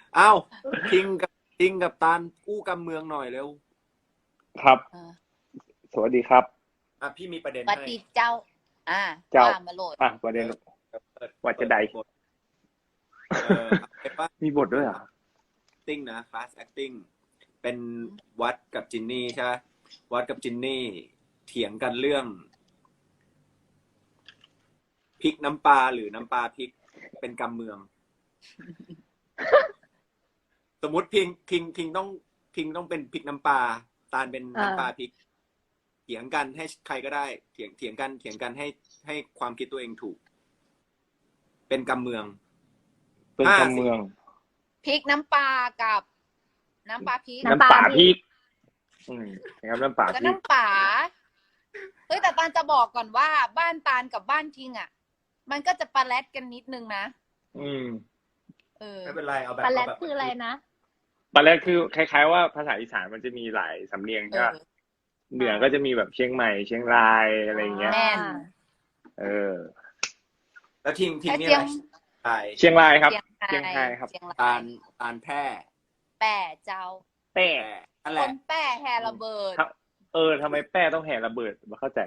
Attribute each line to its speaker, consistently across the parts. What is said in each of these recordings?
Speaker 1: อ้าวทิงกับตาลกู้กำเมืองหน่อยเร็ว
Speaker 2: ครับ
Speaker 3: เออ
Speaker 2: สวัสดีครับ
Speaker 1: พี่มีประเด็น
Speaker 3: ป
Speaker 1: ให้
Speaker 3: ฏิเจ้า
Speaker 2: เจ้า
Speaker 3: ว่ามาโหลด
Speaker 2: ประเด็น
Speaker 1: เปิด
Speaker 2: ว่าจะใด
Speaker 1: บทเป็นว่า
Speaker 2: มีบทด้วยเหรอ
Speaker 1: acting นะ class acting เป็นวัดกับจินนี่ใช่ไหมวัดกับจินนี่เถียงกันเรื่องพริกน้ำปลาหรือน้ำปลาพริกเป็นกำเมือง สมมติพิงต้องเป็นพริกน้ำปลาตาลเป็นน้ำปลาพริกเถียงกันให้ใครก็ได้เถียงกันให้ความคิดตัวเองถูก เป็นกำเมือง
Speaker 2: เป็นกำเมือง
Speaker 3: พริกน้ำปลากับน้ำปลาพริก
Speaker 2: น้ำป่าพริกนะครับน้ำป่าพ
Speaker 3: ก็
Speaker 2: ริก
Speaker 3: น้ำปลาเฮ้ยแต่ตาลจะบอกก่อนว่าบ้านตาลกับบ้านทิงอ่ะ มันก็จะปลาแรดกันนิดนึงนะ
Speaker 1: ไม่เป็นไรเอาแบบ
Speaker 4: ปลาแรด
Speaker 1: เอาแบบ
Speaker 4: คืออะไรนะ
Speaker 2: ปลาแรดคือคล้ายๆว่าภาษาอีสานมันจะมีหลายสำเนียงใช่ไหมเหนือก็จะมีแบบเชียงใหม่เชียงรายอะไรอย่างเงี้ย
Speaker 3: แม่น
Speaker 1: แล้วทิง
Speaker 3: แค่
Speaker 1: นี่
Speaker 3: เชี
Speaker 1: อะ
Speaker 3: ยง
Speaker 1: ไร
Speaker 2: เชียงรายครับ
Speaker 3: เชียง
Speaker 2: เชียงรายครับ
Speaker 3: เชียง
Speaker 1: ตาร
Speaker 3: าย
Speaker 1: ตาลแพร่
Speaker 3: แป้เจ้า
Speaker 2: แป้
Speaker 1: นั่น
Speaker 3: ค
Speaker 1: แหละ
Speaker 3: นแป้แฮระเบิด
Speaker 2: ทำไมแป้ต้องแห่ระเบิดมาเข้าใจ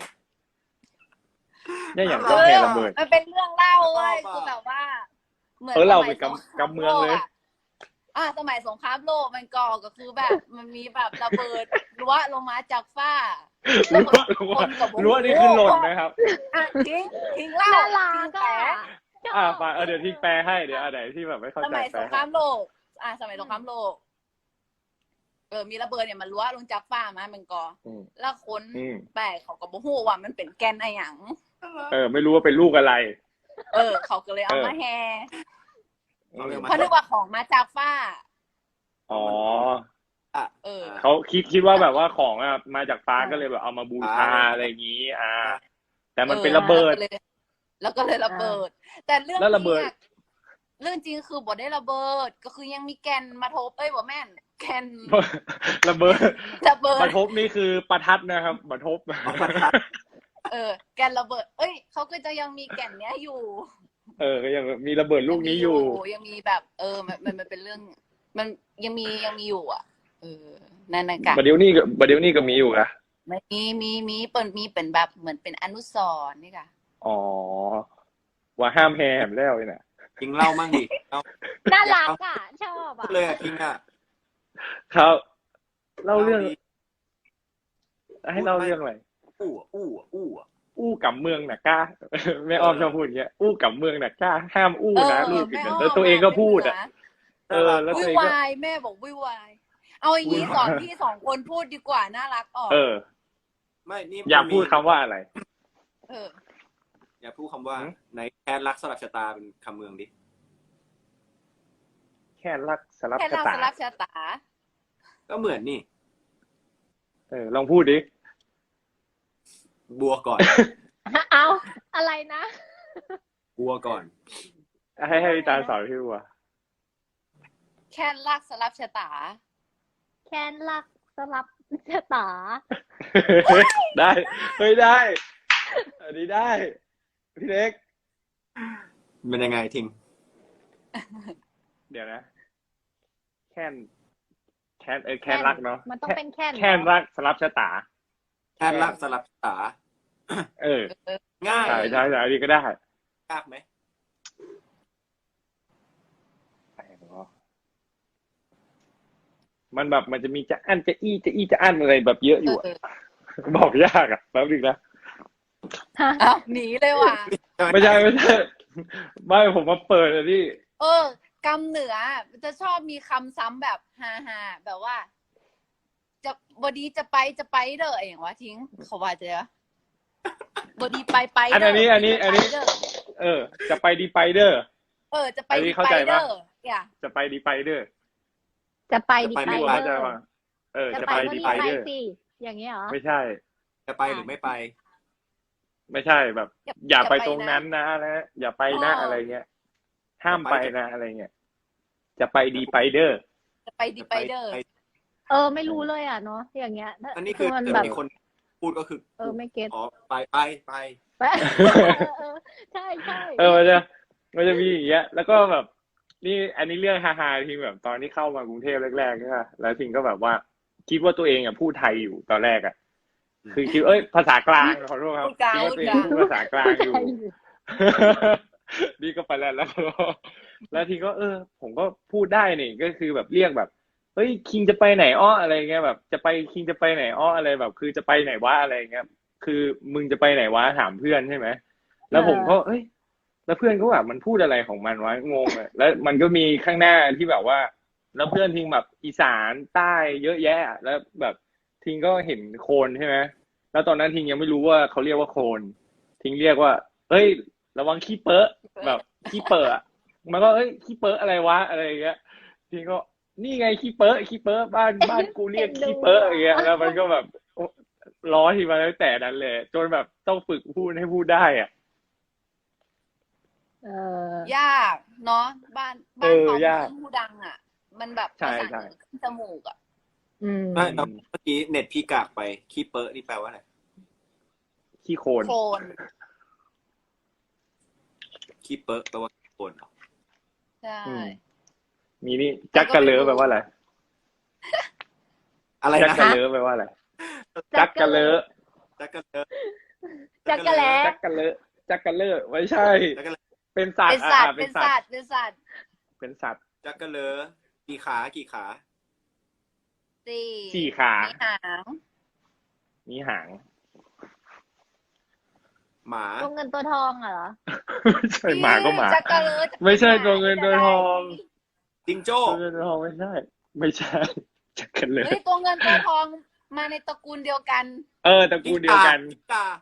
Speaker 2: เนี่ยอย่างต้องแห่ระเบิด
Speaker 3: มันเป็นเรื่องเล่าเว้ยคือแบบว่า เหมือน
Speaker 2: เรา
Speaker 3: ส
Speaker 2: ไป
Speaker 3: มัยสงคราม
Speaker 2: กำเมืองเลย
Speaker 3: โกสมัยสงครามโลกมันก็คือแบบ มันมีแบบระเบิดรั้วลงมาจากฟ้า
Speaker 2: รั้วนี่คือหล่นนะครับ
Speaker 3: ทิ้งเล่า
Speaker 4: น่ารั
Speaker 3: ทิ้ง
Speaker 4: ก
Speaker 3: แป
Speaker 4: อ่ะ
Speaker 2: ฟังเดี๋ยวที่แปลให้เดี๋ยวไหนที่แบบไม่เข้า
Speaker 3: ส
Speaker 2: ใจ
Speaker 3: มัย
Speaker 2: แป
Speaker 3: ส
Speaker 2: ล
Speaker 3: งครามโลกสมัยสงครามโลกมีระเบิดเนี่ยมันรั้วลงจากฟ้ามามันก็แล้วคนแปลเขาก็บ่ฮู้ว่ามันเป็นแกนอะไรหยัง
Speaker 2: ไม่รู้ว่าเป็นลูกอะไร
Speaker 3: เขาก็เลยเอามาแฮ
Speaker 1: เอาเรื่อง
Speaker 3: เพราะนึกว่าของมาจากฟ้า
Speaker 2: อ๋อ
Speaker 3: เขา
Speaker 2: เขาคิดว่าแบบว่าของมาจากฟ้าก็เลยแบบเอามาบูชาอะไรอย่างนี้แต่มันเป็นระเบิด
Speaker 3: แล้วก็เลยระเบิด แต่เรื่อง
Speaker 2: แล้วระเบิด
Speaker 3: เรื่องจริงคือบ่ได้ระเบิด ก็คือยังมีแกนมาทบบ่แม่น แกน
Speaker 2: ระเบิด
Speaker 3: ระเบิด
Speaker 2: ประทบนี่คือประทัดนะครับประทบ
Speaker 3: แกนระเบิด เขาก็จะยังมีแกนเนี้ยอยู่
Speaker 2: ก็ยังมีระเบิดลูกนี้อยู่
Speaker 3: ยังมีแบบมันเป็นเรื่อง มันยังมีอยู่อ่ะนั่นกัน
Speaker 2: ประเดี๋ยวนี้ก็มีอยู่ค่ะ
Speaker 3: มีเปิดมีเป็นแบบเหมือนเป็นอนุสรณ์นี่ค่ะ
Speaker 2: อ๋อว่าห้ามแฮมแล้วเนี่ย
Speaker 1: ทิงเล่ามั่งดิเล่า
Speaker 4: น่ารักอ่ะ ชอบ
Speaker 1: พู
Speaker 4: อ่ะ
Speaker 1: ดเลยทิง
Speaker 2: ครับเล่าเรื่องให้เล่าเรื่องอะไร อู้กับเมืองน่ะกล้า แม่อ้อมชอบพูดอย่างเงี้ยอู้กับเมืองน่ะกล้าห้ามอู้นะลูกแล้วตัวเองก็พูดแล้ว
Speaker 3: วุ้
Speaker 2: ตัวย เองก็
Speaker 3: วายแม่บอกวุ้ยวายเอาอย่างนี้สอนพี่สองคนพูดดีกว่าน่ารักออก
Speaker 1: ไม่นี่
Speaker 2: อยากพูดคำว่าอะไร
Speaker 1: อย่าพูดคำว่าในแทนรักสลักชะตาเป็นคำเมืองดิ
Speaker 2: แค่รักสลับ
Speaker 3: แค่
Speaker 2: ชะ
Speaker 3: เรา
Speaker 2: ตา
Speaker 3: สลับชะตา
Speaker 1: ก็เหมือนนี่
Speaker 2: ลองพูดดิ
Speaker 1: บัวก่อน
Speaker 4: เอาอะไรนะ
Speaker 1: บัวก่อน
Speaker 2: ให้พี่ตาลสอนพี่บัว
Speaker 3: แค่รักสลับชะตา
Speaker 4: แคนรักสลับชะตา
Speaker 2: ได้ได้อันนี้ได้พี่เล็ก
Speaker 1: มันยังไงทิง
Speaker 2: เดี๋ยวนะแค่นรักเนาะ
Speaker 4: มันต้องเป็นแคน
Speaker 2: แค่นรักสลับชะตา
Speaker 1: แทนรักสลักชะตา ง่าย
Speaker 2: ใช่อันนี้ก็ได้
Speaker 1: ยากไหม
Speaker 2: มันแบบมันจะมีจะอั้นจะอี้จะอั้นอะไรแบบเยอะอยู่บอกยากแป๊บนึงนะ
Speaker 3: หนีเลยว่ะ
Speaker 2: ไม่ใช่ไม่ผมมาเปิดอันนี้
Speaker 3: กำเหนือจะชอบมีคำซ้ำแบบฮาแบบว่า จะบดีจะไปเด้ออย่างวะทิ้งเขาว่าจะบดีไปเด้อ
Speaker 2: อันนี้จะไปดีไปเด้อ
Speaker 3: จะไปดีไปเด้อ
Speaker 2: จะไปดีไปเด้อ
Speaker 4: จะไปดีไป
Speaker 2: ว่า
Speaker 4: เด้
Speaker 2: จะ
Speaker 4: อ
Speaker 2: ว่าจะ
Speaker 4: จะ
Speaker 2: ไป
Speaker 4: ไป
Speaker 2: ดี
Speaker 4: ก็
Speaker 2: ไป
Speaker 4: รีบไป
Speaker 2: เด้อ
Speaker 4: สิอย่างนี้เหรอ
Speaker 2: ไม่ใช่
Speaker 1: จะไปหรือไม่ไป
Speaker 2: ไม่ใช่แบบ อย่าไปตรงนั้นนะแล้วอย่าไปนะอะไรเงี้ยห้ามไปนะอะไรเงี้ยจะไปดีไปเด้อ
Speaker 3: จะไปดีไปเด้อ
Speaker 4: ไม่รู้เลยอ่ะเนาะอย่างเงี้ย
Speaker 1: อันนี้คือ
Speaker 4: มัน
Speaker 1: เดี๋ย
Speaker 4: แบ
Speaker 1: ว
Speaker 4: บ
Speaker 1: มีคนพูดก็คือ
Speaker 4: ไม่เก็ต
Speaker 1: อ๋อไป
Speaker 4: ใช่
Speaker 2: มันจะมีอย่างเงี้ยแล้วก็แบบนี่อันนี้เรื่องฮาๆทิงแบบตอนที่เข้ามากรุงเทพแรกๆใช่ไหมแล้วทิงก็แบบว่า คิดว่าตัวเองอ่ะพูดไทยอยู่ตอนแรกอ่ะ คือคิดภาษากลางขอโทษครับ
Speaker 3: พูดกลาง
Speaker 2: คิดว่าตัวเองพูดภาษากลางอยู่ นี่ก็ไปแล้วแล้วทีก็ผมก็พูดได้นี่ก็คือแบบเรียกแบบเฮ้ยคิงจะไปไหนอ้ออะไรเงี้ยแบบจะไปคิงจะไปไหนอ้ออะไรแบบ คือจะไปไหนวะอะไรเงี้ยคือมึงจะไปไหนวะถามเพื่อนใช่ไหมแล้วผมก็แล้วเพื่อนก็แบบมันพูดอะไรของมันวะงงเลยแล้วมันก็มีข้างหน้าที่แบบว่า แล้วเพื่อนทิงแบบอีสานใต้เยอะแยะแล้วแบบทิงก็เห็นโคลนใช่ไหมแล้วตอนนั้นทิงยังไม่รู้ว่าเขาเรียกว่าโคลนทิงเรียกว่าเฮ้ยระวังขี้เปอะแบบขี้เปอะ มันก็ขี้เปอะอะไรวะอะไรอย่างเงี้ยทีก็นี่ไงขี้เปอะบ้านกูเรียกขี้เปอะอย่างเงี้ยแล้วมันก็แบบล้อทีมาตั้งแต่นั้นเลยจนแบบต้องฝึกพูดให้พูดได้อ่ะ
Speaker 3: ยากเนาะบ้านเขา
Speaker 2: ยาก
Speaker 3: ผู้ดังอ่ะ มันแบบ
Speaker 2: ใช่
Speaker 3: ภาษา
Speaker 2: ใช่
Speaker 3: ขึ้นจมูกอ่ะ
Speaker 1: ไม่แล้วเมื่อกี้เน็ตพี่กากไปขี้เปอะนี่แปลว่าอะไร
Speaker 2: ขี้โคลน
Speaker 3: โคลน
Speaker 1: ขี้เปอะแปลว่าขี้โคลนเหรอ
Speaker 3: ใช่
Speaker 2: มีนี่จักกะเลอแปลว่าอะไร
Speaker 1: อะไร
Speaker 2: จัก
Speaker 1: นะ
Speaker 2: กะเลอแปลว่าอะไรจักกะเลอ
Speaker 1: จักกะเลอ
Speaker 4: จักรแล้
Speaker 2: จักกะเลอจักกะเลอไม่ใช่
Speaker 1: จักกะเลอ
Speaker 2: เป็นสัต
Speaker 3: เป็
Speaker 2: ว์
Speaker 3: นสัตว์
Speaker 2: เป็
Speaker 3: เป็น น
Speaker 2: สั
Speaker 3: สั
Speaker 2: ต
Speaker 3: ต
Speaker 2: ว์
Speaker 3: ว์เป็นสัตว์
Speaker 2: เป็นสัตว์
Speaker 1: จักกะเลอกี่ขากี่ขา
Speaker 2: สี่ขา
Speaker 3: มีหาง
Speaker 2: มีหาง
Speaker 1: หมา
Speaker 4: ตัวเงินตัวทองเหรอ
Speaker 2: ไม่ใช่หมาก็หมา
Speaker 3: จักรเลอ
Speaker 2: ไม่ใช่ตัวเงินตัวทอง
Speaker 1: จิงโจ้
Speaker 2: ตัวเงินตัวทองไม่ใช่ ไม่ใช่ จักรเลย
Speaker 3: เฮ้ยตัวเงินตัวทองมาในตระกูลเดียวกัน
Speaker 2: ตระกูลเดียวกัน
Speaker 1: จิ้งกา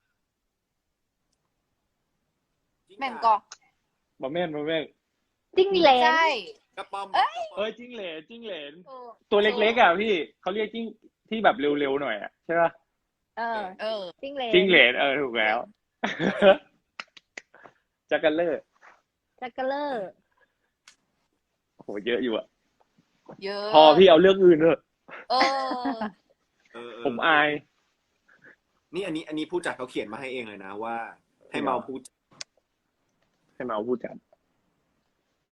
Speaker 3: แม่งกอก
Speaker 2: บ่แม่น
Speaker 4: จิ้งเหลน
Speaker 3: ใช่
Speaker 1: กระป๋อม
Speaker 2: จิ้งเหลนจิ้งเหลน
Speaker 3: เออ
Speaker 2: ตัวเล็กๆอ่ะพี่เขาเรียกจิ้งที่แบบเร็วๆหน่อยอ่ะใช่ป่ะ
Speaker 4: เออ
Speaker 3: เออ
Speaker 4: จิ้งเหลน
Speaker 2: จิ้งเหลนถูกแล้ว จักรเลอร์
Speaker 4: จักรเลอร์
Speaker 2: โอ้โหเยอะอยู่อ่ะ
Speaker 3: เยอะ
Speaker 2: พอพี่เอาเรื่องอื่นเถอะ
Speaker 3: เออ
Speaker 2: ผมอาย
Speaker 1: นี่อันนี้ผู้จัดเขาเขียนมาให้เองเลยนะว่า ให้เมาพูด
Speaker 2: ให้มาเอาผู้จัด